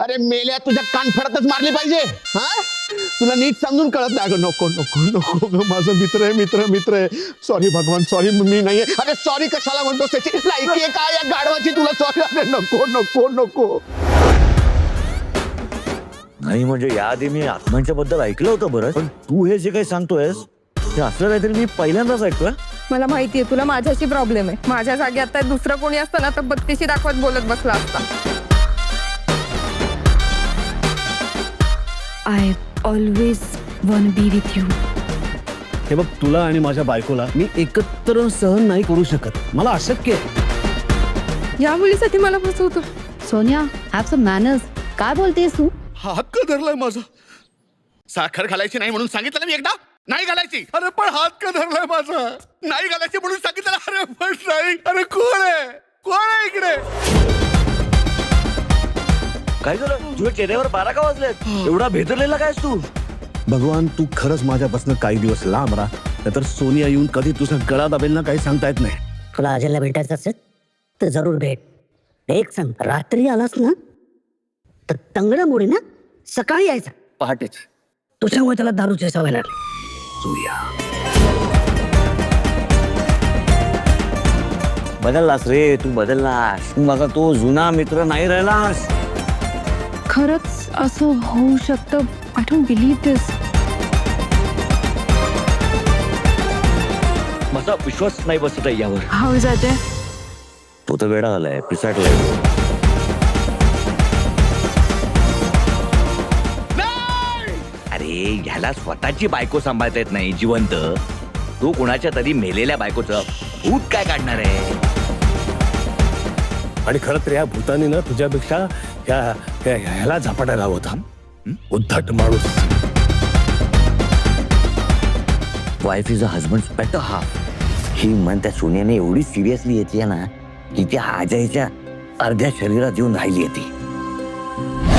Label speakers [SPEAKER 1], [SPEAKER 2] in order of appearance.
[SPEAKER 1] अरे मेल्या तुझ्या कानफडतच मारली पाहिजे हा तुला नीट समजून कळत नाही अगं नको नको नको ग माझा मित्र आहे मित्र आहे सॉरी भगवान सॉरी मी नाहीये अरे सॉरी कशाला म्हणतोस त्याची लायकी आहे काय या गाढवाची तुला सॉरी अरे नको नको नको
[SPEAKER 2] नाही म्हणजे याआधी मी आत्मांच्या बद्दल ऐकलं होतं बरं पण तू हे जे काही सांगतोयस ते असं काहीतरी मी पहिल्यांदाच ऐकतोय.
[SPEAKER 3] मला माहितीये तुला माझ्याशी प्रॉब्लेम आहे. माझ्या जागी आता दुसरं कोणी असतं ना तर बत्तीशी दाखवत बोलत बसला असता.
[SPEAKER 4] I always want be with you.
[SPEAKER 5] हे बघ तुला आणि माझ्या बायकोला मी एकत्र सहन नाही करू शकत मला अशक्य आहे.
[SPEAKER 3] या मुलीसाठी मला फसवतो.
[SPEAKER 4] Sonia have some manners. काय बोलतेस तू?
[SPEAKER 1] हात का धरलाय माझा साखर घालायची नाही म्हणून सांगितलं ना मी एकदा नाही घालायची अरे पण हात का धरलाय माझा नाही घालायची म्हणून सांगितलं अरे पण नाही अरे कोण आहे इकडे
[SPEAKER 2] काय झालं तुझ्या चेहऱ्यावर 12 का वाजलेत एवढा भेदरलेला कायस तू.
[SPEAKER 5] भगवान तू खरंच माझ्यापासून काही दिवस लांब राहा नाहीतर सोनिया येऊन कधी तुझा गळा दाबेल ना काही सांगता येत नाही.
[SPEAKER 6] तुला अजयला भेटायचं असेल तर जरूर भेट. एक सांग रात्री आलास ना तर तंगडामुळे ना सकाळी यायचा
[SPEAKER 2] पहाटेच
[SPEAKER 6] तुझ्यामुळे त्याला दारूची सवय लागली.
[SPEAKER 2] बदललास रे तू बदललास तू माझा तो जुना मित्र नाही राहिलास.
[SPEAKER 4] खरंच असं होऊ शकतं. I don't believe this.
[SPEAKER 2] माझा विश्वास नाही बसत आहे यावर.
[SPEAKER 4] How is Ajay?
[SPEAKER 2] तो तर वेडा झालाय पिसाटलाय. अरे ह्याला स्वतःची बायको सांभाळता येत नाही जिवंत तो कुणाच्या तरी मेलेल्या बायकोचं भूत काय काढणार आहे.
[SPEAKER 5] आणि खरं तर या भूतानी ना तुझ्यापेक्षा ह्याला झपाटायला हवं होता. उद्धट माणूस.
[SPEAKER 2] Wife is a husband better half ही म्हण त्या सोन्याने एवढी सिरियसली येते ना की त्या आजयच्या अर्ध्या शरीरात येऊन राहिली आहे ती.